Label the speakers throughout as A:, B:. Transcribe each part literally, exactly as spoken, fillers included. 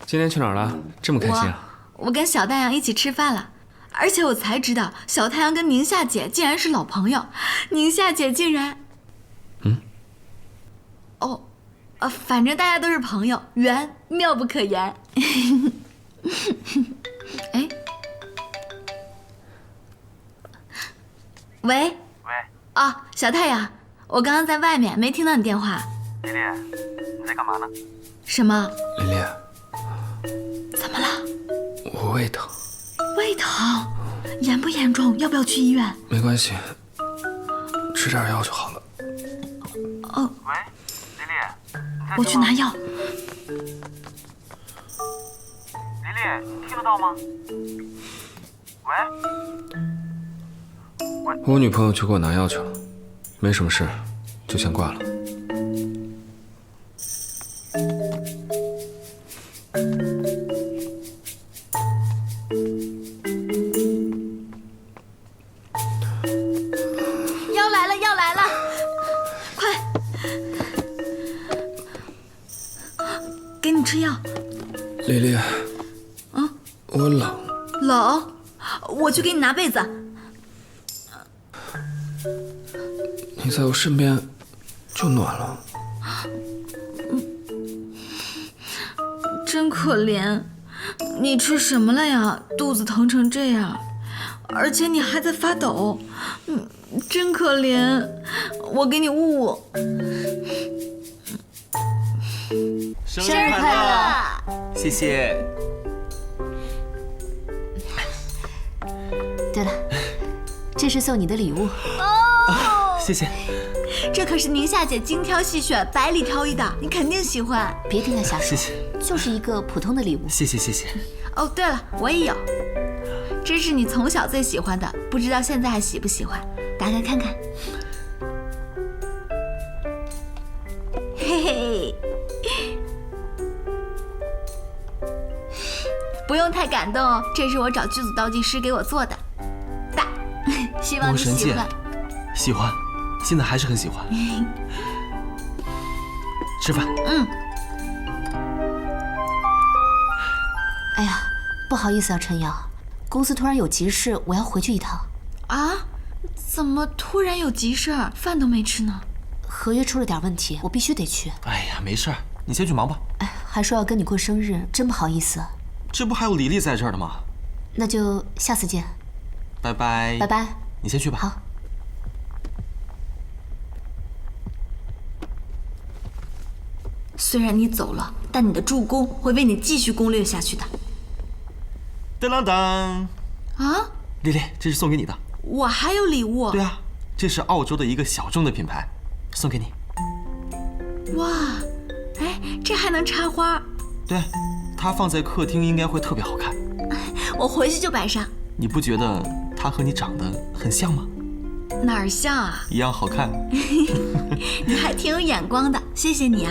A: 今天去哪儿了？这么开心啊！
B: 我, 我跟小太阳一起吃饭了，而且我才知道小太阳跟宁夏姐竟然是老朋友，宁夏姐竟然……
A: 嗯？
B: 哦，呃，反正大家都是朋友，缘妙不可言。哎，喂。喂。哦，小太阳，我刚刚在外面没听到你电话。
C: 丽丽，你在干嘛呢？
B: 什么？
A: 丽丽，
B: 怎么了？
A: 我胃疼。
B: 胃疼？严不严重？要不要去医院？
A: 没关系，吃点药就好了。
B: 哦。
C: 喂，丽丽，
B: 我去拿药。
C: 丽丽，你听得到吗？喂。
A: 我女朋友去给我拿药去了，没什么事，就先挂了。
B: 药来了，药来了，快，给你吃药。
A: 丽丽，
B: 嗯，
A: 我冷。
B: 冷？我去给你拿被子。
A: 你在我身边就暖了。
B: 真可怜，你吃什么了呀？肚子疼成这样，而且你还在发抖，嗯，真可怜。我给你捂捂。
D: 生日快乐！谢谢。
E: 对了，这是送你的礼物。
B: 哦，
D: 谢谢。
B: 这可是宁夏姐精挑细选、百里挑一的，你肯定喜欢。
E: 别听他瞎说，
D: 谢谢。
E: 就是一个普通的礼物。
D: 谢谢谢谢。
B: 哦，对了，我也有，这是你从小最喜欢的，不知道现在还喜不喜欢？打开看看。嘿嘿，不用太感动哦，这是我找剧组道具师给我做的。大，希望你喜欢。
D: 喜欢，现在还是很喜欢。吃饭。
B: 嗯。
E: 哎呀，不好意思啊，陈瑶，公司突然有急事，我要回去一趟。
B: 啊？怎么突然有急事儿？饭都没吃呢。
E: 合约出了点问题，我必须得去。
D: 哎呀，没事儿，你先去忙吧。
E: 哎，还说要跟你过生日，真不好意思。
D: 这不还有李丽在这儿的吗？
E: 那就下次见。
D: 拜拜。
E: 拜拜。
D: 你先去吧。
E: 好。
B: 虽然你走了，但你的助攻会为你继续攻略下去的。
D: 当当当！
B: 啊，
D: 丽丽，这是送给你的。
B: 我还有礼物。
D: 对啊，这是澳洲的一个小众的品牌，送给你。
B: 哇，哎，这还能插花？
D: 对，它放在客厅应该会特别好看。
B: 我回去就摆上。
D: 你不觉得它和你长得很像吗？
B: 哪儿像啊？
D: 一样好看。
B: 你还挺有眼光的，谢谢你啊。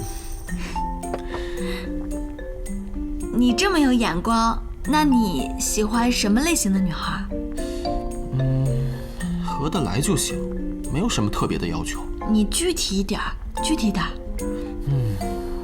B: 你这么有眼光，那你喜欢什么类型的女孩？
D: 嗯，合得来就行，没有什么特别的要求。
B: 你具体一点，具体点。
D: 嗯，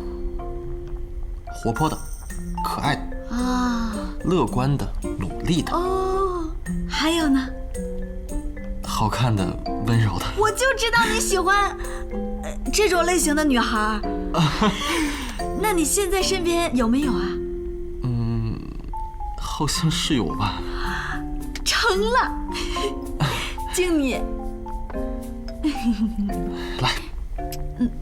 D: 活泼的，可爱的
B: 啊，
D: 乐观的，努力的。
B: 哦，还有呢？
D: 好看的，温柔的。
B: 我就知道你喜欢、呃、这种类型的女孩。那你现在身边有没有啊？
D: 嗯，好像是有吧。
B: 成了，敬你。
D: 来。
B: 嗯。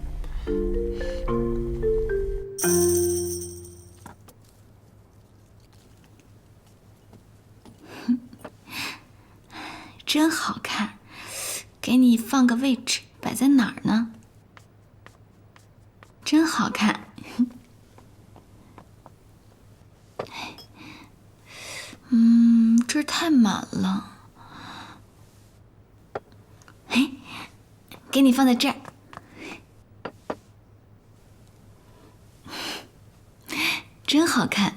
B: 真好看，给你放个位置，摆在哪儿呢？真好看。嗯，这儿太满了。哎，给你放在这儿。真好看。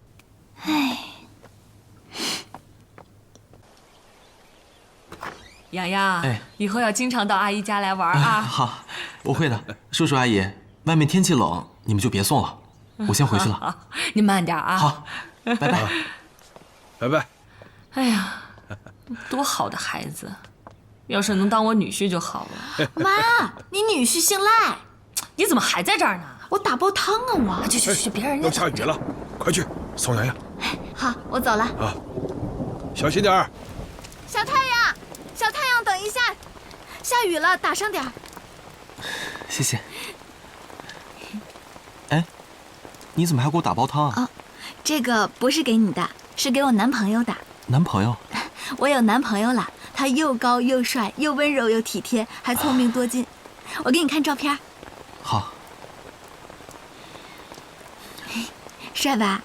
F: 呀洋洋，
D: 哎，
F: 以后要经常到阿姨家来玩啊。
D: 好，我会的。叔叔阿姨，外面天气冷，你们就别送了，我先回去了。
F: 好，你慢点啊。
D: 好，拜拜。
G: 拜拜。
F: 哎呀，多好的孩子，要是能当我女婿就好了。
B: 妈，你女婿姓赖，
F: 你怎么还在这儿呢？
B: 我打煲汤啊，我。
F: 去去去，别让人家
G: 要下雨了，快去送洋洋。
B: 好，我走了。
G: 啊，小心点儿。
B: 小太阳，小太阳，等一下，下雨了，打上点儿。
D: 谢谢。哎，你怎么还给我打煲汤啊？
B: 哦，这个不是给你的，是给我男朋友的。
D: 男朋友？
B: 我有男朋友了，他又高又帅，又温柔又体贴，还聪明多金。我给你看照片。
D: 好。
B: 帅吧？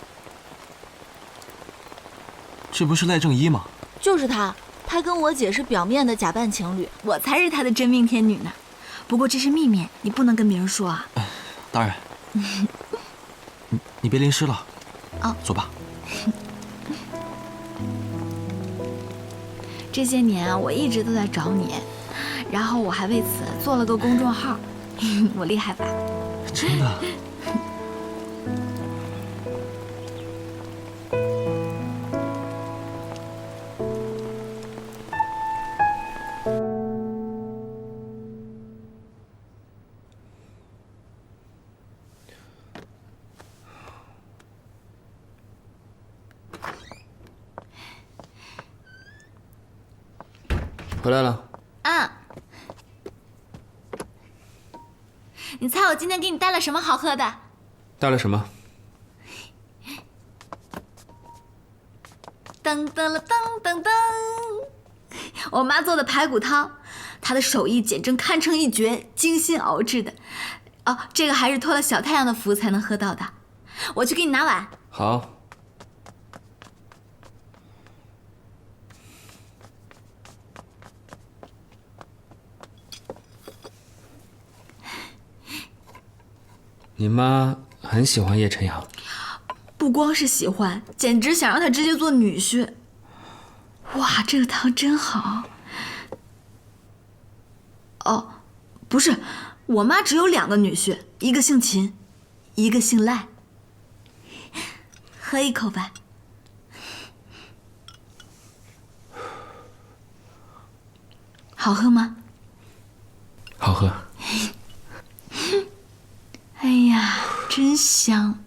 D: 这不是赖正一吗？
B: 就是他，他跟我姐是表面的假扮情侣，我才是他的真命天女呢。不过这是秘密，你不能跟别人说啊。
D: 当然。你你别淋湿了。
B: 哦，
D: 走吧。
B: 这些年啊，我一直都在找你，然后我还为此做了个公众号，我厉害吧？
D: 真的。
A: 回来了。
B: 啊，你猜我今天给你带了什么好喝的？
A: 带了什么？
B: 噔噔了噔噔噔，我妈做的排骨汤，她的手艺简直堪称一绝，精心熬制的。哦，这个还是托了小太阳的福才能喝到的。我去给你拿碗。
A: 好。你妈很喜欢叶晨阳，
B: 不光是喜欢，简直想让他直接做女婿。哇，这个汤真好。哦，不是，我妈只有两个女婿，一个姓秦，一个姓赖。喝一口吧。好喝吗？
A: 好喝。
B: 哎呀，真香。